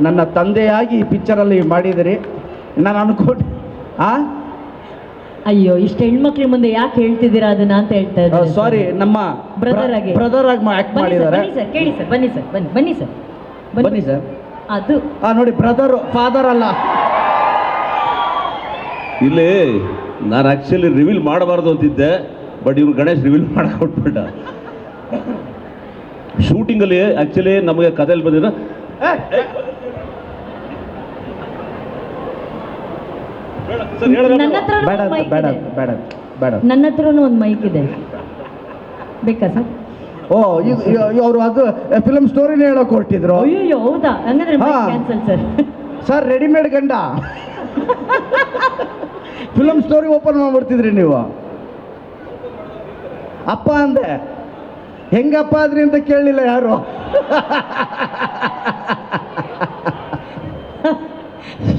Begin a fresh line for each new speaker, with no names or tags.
ನನ್ನ ತಂದೆಯಾಗಿ ಈ ಪಿಕ್ಚರಲ್ಲಿ ಮಾಡಿದಿರಿ. ನಾನು ಅನ್ಕೊಂಡು
ಅಯ್ಯೋ, ಇಷ್ಟು ಹೆಣ್ಮಕ್ಳ ಮುಂದೆ ಯಾಕೆ ಹೇಳ್ತಿದ್ದೀರಾ ಅದನ್ನ ಅಂತ ಹೇಳ್ತಾ ಇದ್ದಾರೆ.
ಸಾರಿ, ನಮ್ಮ
ಬ್ರದರ್ ಆಗಿ
ಆಕ್ಟ್ ಮಾಡಿದ್ದಾರೆ.
ಬನ್ನಿ ಸರ್, ಕೇಳಿ ಸರ್, ಬನ್ನಿ ಸರ್, ಬನ್ನಿ ಸರ್,
ಬನ್ನಿ ಸರ್.
ಅದು
ನೋಡಿ, ಬ್ರದರ್, ಫಾದರ್ ಅಲ್ಲ.
ಇಲ್ಲಿ ನಾನು ಆಕ್ಚುಲಿ ರಿವೀಲ್ ಮಾಡಬಾರ್ದು ಅಂತಿದ್ದೆ, ಬಟ್ ಇವ್ರು ಗಣೇಶ್ ರಿವೀಲ್ ಮಾಡಕ್ಕೆ ಕೊಟ್ಬಿಟ್ಟ. ಶೂಟಿಂಗಲ್ಲಿ ಆಕ್ಚುಲಿ ನಮಗೆ ಕಥೆಯಲ್ಲಿ ಬಂದಿರೋ
ನನ್ನ ಹತ್ರ
ಬೇಡ ಬೇಡ ಬೇಡ ಬೇಡ.
ನನ್ನ ಹತ್ರನೂ ಒಂದು ಮೈಕ್ ಇದೆ, ಬೇಕಾ ಸರ್?
ಓ, ಅವರು ಅದು ಫಿಲಮ್ ಸ್ಟೋರಿನೇ ಹೇಳೋಕೆ ಹೊರಟಿದ್ರು.
ಅಯ್ಯೋ, ಹೌದಾ? ಹಂಗಂದ್ರೆ ಕ್ಯಾನ್ಸಲ್ ಸರ್.
ಸರ್, ರೆಡಿಮೇಡ್ ಗಂಡ ಫಿಲಮ್ ಸ್ಟೋರಿ ಓಪನ್ ಮಾಡ್ಬಿಡ್ತಿದ್ರಿ ನೀವು. ಅಪ್ಪ ಅಂದೆ, ಹೆಂಗಪ್ಪ ಆದ್ರಿ ಅಂತ ಕೇಳಲಿಲ್ಲ ಯಾರು.